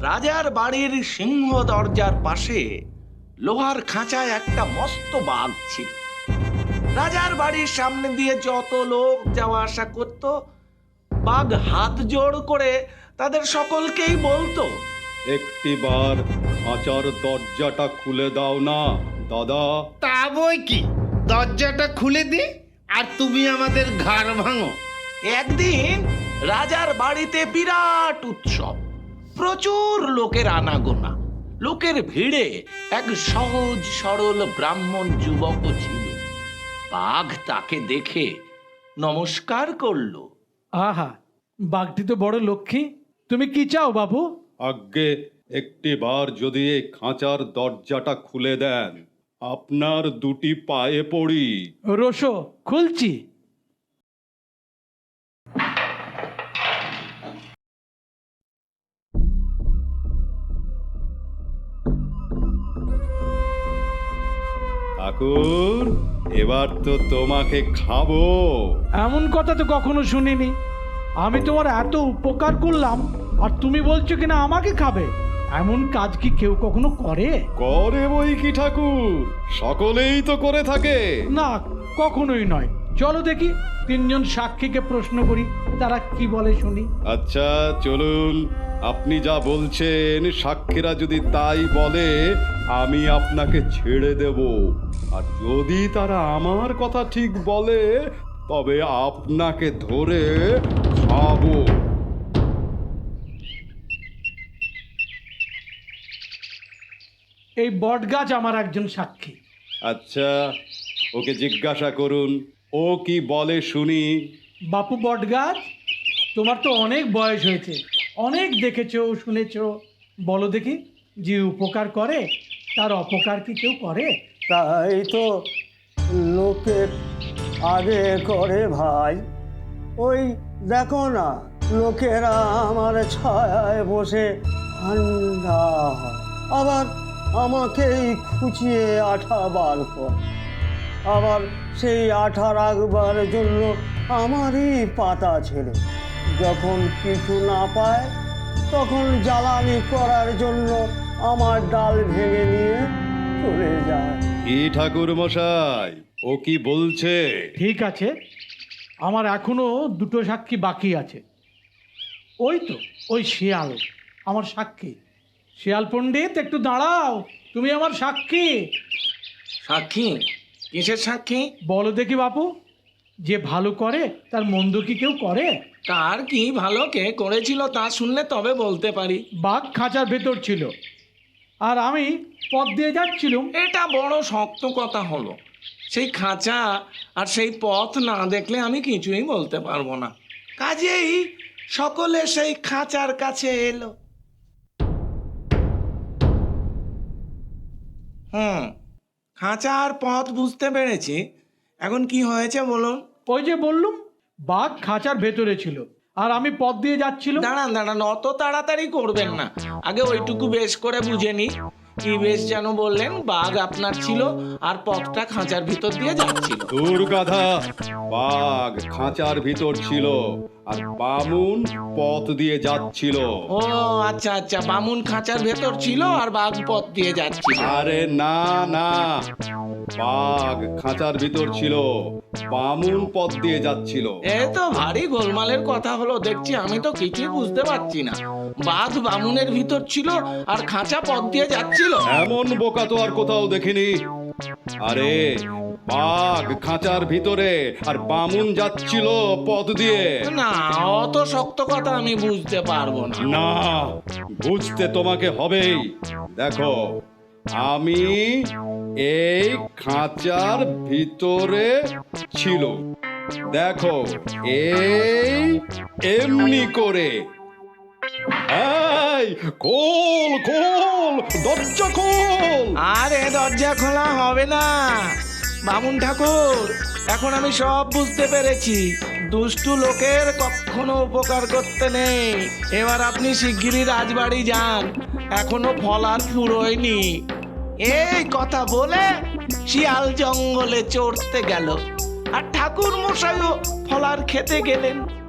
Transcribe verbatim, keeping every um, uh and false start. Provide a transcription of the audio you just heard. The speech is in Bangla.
রাজার বাড়ির সিংহ দরজার পাশে লোহার খাঁচায় একটা মস্ত বাঘ ছিল। রাজার বাড়ির সামনে দিয়ে যত লোক যাওয়া আসা করত, বাঘ হাত জোড় করে তাদের সকলকেই বলতো, একটিবার খাঁচার দরজাটা খুলে দাও না দাদা। তা বই কি, দরজাটা খুলে দি আর তুমি আমাদের ঘাড় ভাঙো। একদিন রাজার বাড়িতে বিরাট উৎসব, প্রচুর লোকের আনাগোনা। লোকের ভিড়ে এক সহজ সরল ব্রাহ্মণ যুবকও ছিল। বাঘ তাকে দেখে নমস্কার করলো। আহা, বাঘটি তো বড় লক্ষ্মী। তুমি কি চাও বাবু? আজ্ঞে, একটিবার যদি এই খাঁচার দরজাটা খুলে দেন, আপনার দুটি পায়ে পড়ি। রোশো, খুলছি। ঠাকুর, এবার তো তোমাকে খাবো। এমন কথা তো কখনো শুনিনি। আমি তোমার এত উপকার করলাম আর তুমি বলছো কিনা আমাকে খাবে? এমন কাজ কি কেউ কখনো করে? করে বই কি ঠাকুর, সকলেই তো করে থাকে। না, কখনোই নয়। চলো দেখি, তিনজন সাক্ষীকে প্রশ্ন করি, তারা কি বলে শুনি। আচ্ছা চলুন, আপনি যা বলছেন সাক্ষীরা যদি তাই বলে আমি আপনাকে ছেড়ে দেব, আর যদি তারা আমার কথা ঠিক বলে তবে আপনাকে ধরে খাবো। এই বটগাছ আমার একজন সাক্ষী। আচ্ছা, ওকে জিজ্ঞাসা করুন, ও কি বলে শুনি। বাপু বটগাছ, তোমার তো অনেক বয়স হয়েছে, অনেক দেখেছো শুনেছো। বলো দেখি, যে উপকার করে তার অপকার কি কেউ করে? তাই তো লোকের আগে করে ভাই। ওই দেখো না, লোকেরা আমার ছায়ায় বসে ঠান্ডা হয়, আবার আমাকেই খুঁচিয়ে আঠা বার করে, আবার সেই আঠা রাখবার জন্য আমারই পাতা ছেড়ে যখন কিছু না পায় তখন জ্বালানি করার জন্য আমার ডাল ভেঙে নিয়ে চলে যায়। কি ঠাকুর মশাই, ও কি বলছে? ঠিক আছে, আমার এখনো দুটো সাক্ষী বাকি আছে। ওই তো ওই শিয়াল আমার সাক্ষী। শিয়াল পণ্ডিত, একটু দাঁড়াও, তুমি আমার সাক্ষী। সাক্ষী? কিসের সাক্ষী? বলো দেখি বাপু, যে ভালো করে তার মন্দ কি কেউ করে? কার কি ভালো কে করেছিল তা শুনলে তবে বলতে পারি। বাঘ খাঁচার ভেতর ছিল আর আমি পথ দিয়ে যাচ্ছিলাম। এটা বড় শক্ত কথা হলো। সেই খাঁচা আর সেই পথ না দেখলে আমি কিছুই বলতে পারবো না। কাজেই সকলে সেই খাঁচার কাছে এলো। হুম, খাঁচা আর পথ বুঝতে পেরেছি। এখন কি হয়েছে বলুন? ওই যে বললুম, বাঘ খাঁচার ভেতরে ছিল আর আমি পথ দিয়ে যাচ্ছিলাম। দাঁড়ান দাঁড়ান, অত তাড়াতাড়ি করবেন না, আগে ওইটুকু বেশ করে বুঝে নি। কি বেশ যেন বললেন, বাঘ আপনার ছিল আর পথটা খাঁচার ভিতর দিয়ে যাচ্ছিল। দূর গাধা, বাঘ খাঁচার ভিতর ছিল আর বামুন পথ দিয়ে যাচ্ছিল। ও আচ্ছা আচ্ছা, বামুন খাঁচার ভেতর ছিল আর বাঘ পথ দিয়ে যাচ্ছিল। আরে না না, বাঘ খাঁচার ভিতর ছিল, বামুন পথ দিয়ে যাচ্ছিল। এ তো ভারী গোলমালের কথা হলো দেখছি, আমি তো কিছুই বুঝতে পারছি না। বাঘ বামুনের ভিতর ছিল আর খাঁচা পথ দিয়ে যাচ্ছিল। এমন বোকা তো আর কোথাও দেখিনি। আরে বাঘ খাঁচার ভিতরে আর বামুন যাচ্ছিল পথ দিয়ে। না, অত শক্ত কথা আমি বুঝতে পারবো না। না, বুঝতে তোমাকে হবেই। দেখো, আমি এই খাঁচার ভিতরে ছিল, দেখো এই এমনি করে। এই খোল খোল, দরজা খোল। আরে দরজা খোলা হবে না বামুন ঠাকুর, এখন আমি সব বুঝতে পেরেছি। দুষ্টু লোকের কখনো উপকার করতে নেই। এবার আপনি শিগগিরই রাজবাড়ি যান, এখনো ফল আর ফুরোয়নি। এই কথা বলে শিয়াল জঙ্গলে চড়তে গেল আর ঠাকুর মশাইও ফলার খেতে গেলেন।